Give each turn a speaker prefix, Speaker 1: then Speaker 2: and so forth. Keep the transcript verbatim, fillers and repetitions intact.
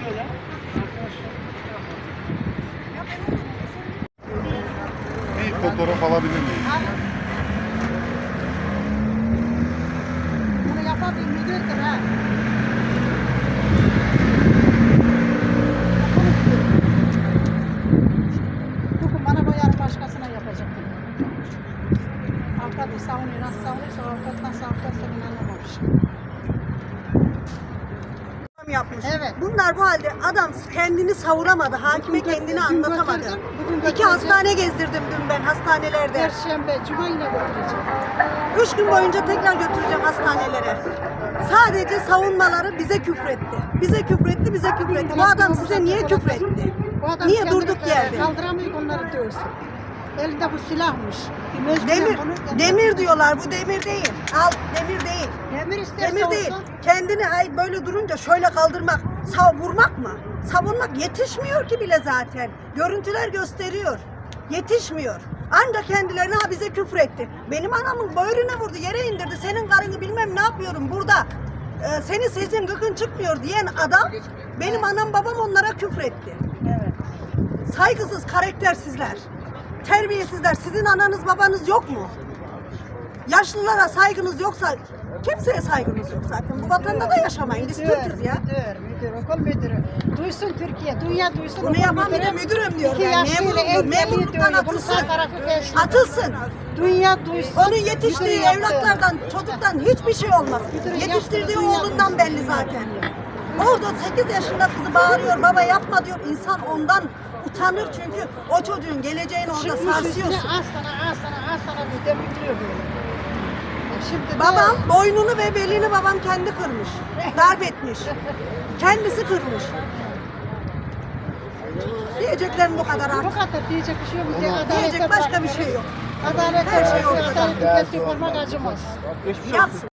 Speaker 1: Şöyle.
Speaker 2: Bir fotoğraf alabilir miyim?
Speaker 3: Bunu yapan bir müdürdür ha. Bugün bana boyar başkasına yapacaktım. Avukatı savunuyor. Nasıl savunuyorsa avukat nasıl avukatsa ben anlamamış.
Speaker 4: Yapmış.
Speaker 3: Evet.
Speaker 4: Bunlar bu halde adam kendini savunamadı, hakime
Speaker 3: Bugün
Speaker 4: kendini
Speaker 3: dün
Speaker 4: anlatamadı.
Speaker 3: götürdüm, bugün
Speaker 4: İki
Speaker 3: götüreceğim.
Speaker 4: hastane gezdirdim dün ben hastanelerde.
Speaker 3: Perşembe, cuma yine götüreceğim.
Speaker 4: Üç gün boyunca tekrar götüreceğim hastanelere. Sadece savunmaları bize küfretti. Bize küfretti, bize küfretti. Bu adam size niye küfretti?
Speaker 3: Bu adam
Speaker 4: Niye
Speaker 3: kendini
Speaker 4: durduk yerde?
Speaker 3: Kaldıramıyor onları dövsün. Elinde bu silahmış. Bir mecburen
Speaker 4: Demir,
Speaker 3: bunu-
Speaker 4: demir diyorlar. Bu demir değil. Al, demir değil.
Speaker 3: Demir isterse
Speaker 4: Demir değil.
Speaker 3: olsun.
Speaker 4: Kendini hay böyle durunca şöyle kaldırmak, sav vurmak mı? Savunmak yetişmiyor ki bile zaten. Görüntüler gösteriyor. Yetişmiyor. Ancak kendilerine ha bize küfür etti. Benim anamın böğrüne vurdu, yere indirdi. Senin karını bilmem ne yapıyorum burada. Ee, senin sesin gıkın çıkmıyor diyen adam benim anam babam onlara küfür etti.
Speaker 3: Evet.
Speaker 4: Saygısız, karaktersizler. Terbiyesizler. Sizin ananız babanız yok mu? Yaşlılara saygınız yoksa kimseye saygınız yok zaten. Bu vatanda da yaşamayın. Biz Türk'üz ya.
Speaker 3: Müdür, müdür, okul müdürü. Duysun Türkiye, dünya duysun.
Speaker 4: Bunu
Speaker 3: okul
Speaker 4: yapan
Speaker 3: müdürü.
Speaker 4: biri müdürüm diyor.
Speaker 3: İki
Speaker 4: Ben
Speaker 3: yaşlıyla
Speaker 4: memurum diyor.
Speaker 3: engelli
Speaker 4: Memurluktan
Speaker 3: diyor. Bunu
Speaker 4: atılsın.
Speaker 3: sağ tarafı peşin.
Speaker 4: Atılsın.
Speaker 3: Dünya duysun.
Speaker 4: Onun yetiştiği
Speaker 3: Müdür yaptı.
Speaker 4: evlatlardan, çocuktan hiçbir şey olmaz.
Speaker 3: Müdürün
Speaker 4: Yetiştirdiği
Speaker 3: yaptığı dünya
Speaker 4: oğlundan belli zaten. Orada sekiz yaşında kızı bağırıyor, baba yapma diyor. İnsan ondan utanır çünkü o çocuğun geleceğini orada
Speaker 3: Çıkmış üstüne
Speaker 4: sarsıyorsun.
Speaker 3: az sana, az sana, az sana bir de bitiriyor böyle. E Şimdi de-
Speaker 4: Babam boynunu ve belini babam kendi kırmış. Darp etmiş. Kendisi kırmış. Diyeceklerim bu kadar
Speaker 3: Bu
Speaker 4: artık.
Speaker 3: kadar diyecek bir şey yok. Bize adalete
Speaker 4: Diyecek başka bir
Speaker 3: bakarız.
Speaker 4: şey yok.
Speaker 3: Adalet
Speaker 4: Her şey
Speaker 3: her şey
Speaker 4: ortada.
Speaker 3: Adalet tüketip olmak acımaz.
Speaker 4: Yapsın.